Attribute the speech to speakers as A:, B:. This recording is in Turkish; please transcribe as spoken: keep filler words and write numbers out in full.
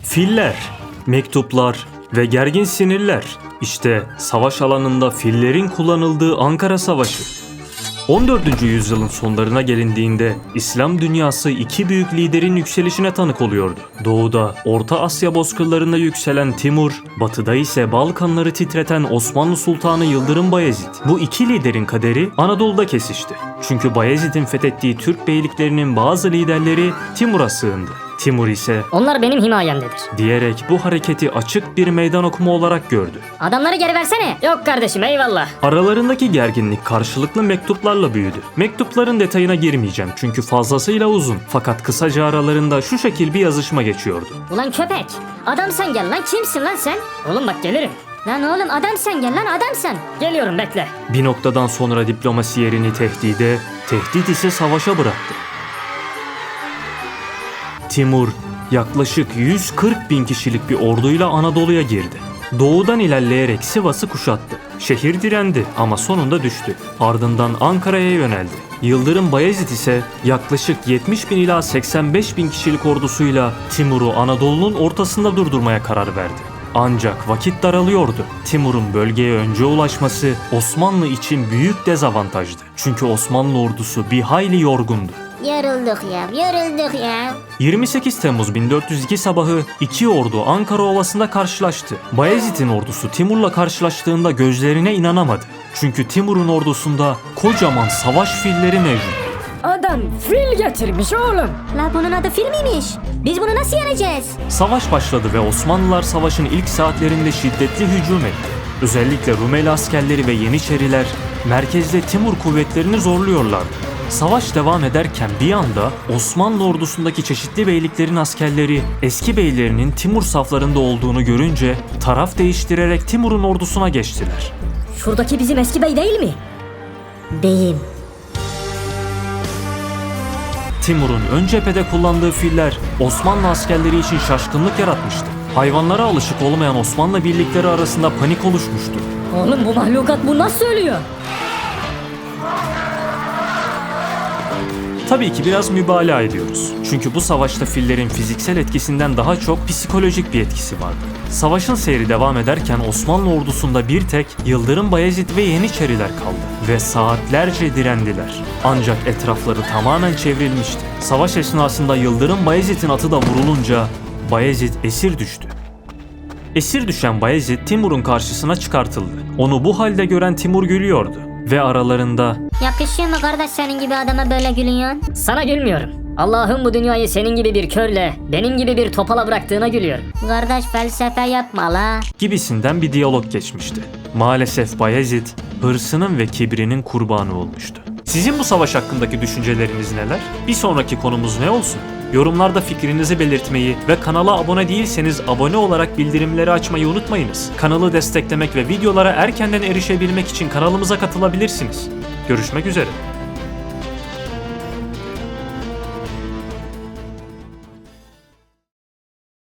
A: Filler, mektuplar ve gergin sinirler. İşte savaş alanında fillerin kullanıldığı Ankara Savaşı. on dördüncü yüzyılın sonlarına gelindiğinde İslam dünyası iki büyük liderin yükselişine tanık oluyordu. Doğuda Orta Asya bozkırlarında yükselen Timur, batıda ise Balkanları titreten Osmanlı Sultanı Yıldırım Bayezid. Bu iki liderin kaderi Anadolu'da kesişti. Çünkü Bayezid'in fethettiği Türk beyliklerinin bazı liderleri Timur'a sığındı. Timur ise
B: "Onlar benim himayemdedir"
A: diyerek bu hareketi açık bir meydan okuma olarak gördü.
B: "Adamları geri versene." "Yok kardeşim, eyvallah."
A: Aralarındaki gerginlik karşılıklı mektuplarla büyüdü. Mektupların detayına girmeyeceğim çünkü fazlasıyla uzun. Fakat kısaca aralarında şu şekil bir yazışma geçiyordu.
B: "Ulan köpek, adam sen gel lan, kimsin lan sen?" "Oğlum bak gelirim." "Lan oğlum adam sen gel lan, adam sen." "Geliyorum, bekle."
A: Bir noktadan sonra diplomasi yerini tehdide, tehdit ise savaşa bıraktı. Timur yaklaşık yüz kırk bin kişilik bir orduyla Anadolu'ya girdi. Doğudan ilerleyerek Sivas'ı kuşattı. Şehir direndi ama sonunda düştü. Ardından Ankara'ya yöneldi. Yıldırım Bayezid ise yaklaşık yetmiş bin ila seksen beş bin kişilik ordusuyla Timur'u Anadolu'nun ortasında durdurmaya karar verdi. Ancak vakit daralıyordu. Timur'un bölgeye önce ulaşması Osmanlı için büyük dezavantajdı. Çünkü Osmanlı ordusu bir hayli yorgundu.
B: "Yorulduk ya, yorulduk ya."
A: yirmi sekiz Temmuz bin dört yüz iki sabahı iki ordu Ankara Ovası'nda karşılaştı. Bayezid'in ordusu Timur'la karşılaştığında gözlerine inanamadı. Çünkü Timur'un ordusunda kocaman savaş filleri mevcut.
B: "Adam fil getirmiş oğlum."
C: La bunun adı fil miymiş? Biz bunu nasıl yeneceğiz?
A: Savaş başladı ve Osmanlılar savaşın ilk saatlerinde şiddetli hücum etti. Özellikle Rumeli askerleri ve Yeniçeriler merkezde Timur kuvvetlerini zorluyorlardı. Savaş devam ederken bir anda Osmanlı ordusundaki çeşitli beyliklerin askerleri eski beylerinin Timur saflarında olduğunu görünce taraf değiştirerek Timur'un ordusuna geçtiler.
B: "Şuradaki bizim eski bey değil mi?"
C: Beyim.
A: Timur'un ön cephede kullandığı filler Osmanlı askerleri için şaşkınlık yaratmıştı. Hayvanlara alışık olmayan Osmanlı birlikleri arasında panik oluşmuştu.
B: "Oğlum bu mahlukat bu nasıl söylüyor?"
A: Tabii ki biraz mübalağa ediyoruz. Çünkü bu savaşta fillerin fiziksel etkisinden daha çok psikolojik bir etkisi vardı. Savaşın seyri devam ederken Osmanlı ordusunda bir tek Yıldırım Bayezid ve Yeniçeriler kaldı ve saatlerce direndiler. Ancak etrafları tamamen çevrilmişti. Savaş esnasında Yıldırım Bayezid'in atı da vurulunca Bayezid esir düştü. Esir düşen Bayezid Timur'un karşısına çıkartıldı. Onu bu halde gören Timur gülüyordu ve aralarında
C: Yakışıyor mu kardeş senin gibi adama böyle gülüyorsun?
B: "Sana gülmüyorum. Allah'ın bu dünyayı senin gibi bir körle, benim gibi bir topala bıraktığına gülüyorum."
C: Kardeş felsefe yapma la.
A: gibisinden bir diyalog geçmişti. Maalesef Bayezid hırsının ve kibrinin kurbanı olmuştu. Sizin bu savaş hakkındaki düşünceleriniz neler? Bir sonraki konumuz ne olsun? Yorumlarda fikrinizi belirtmeyi ve kanala abone değilseniz abone olarak bildirimleri açmayı unutmayınız. Kanalı desteklemek ve videolara erkenden erişebilmek için kanalımıza katılabilirsiniz. Görüşmek üzere.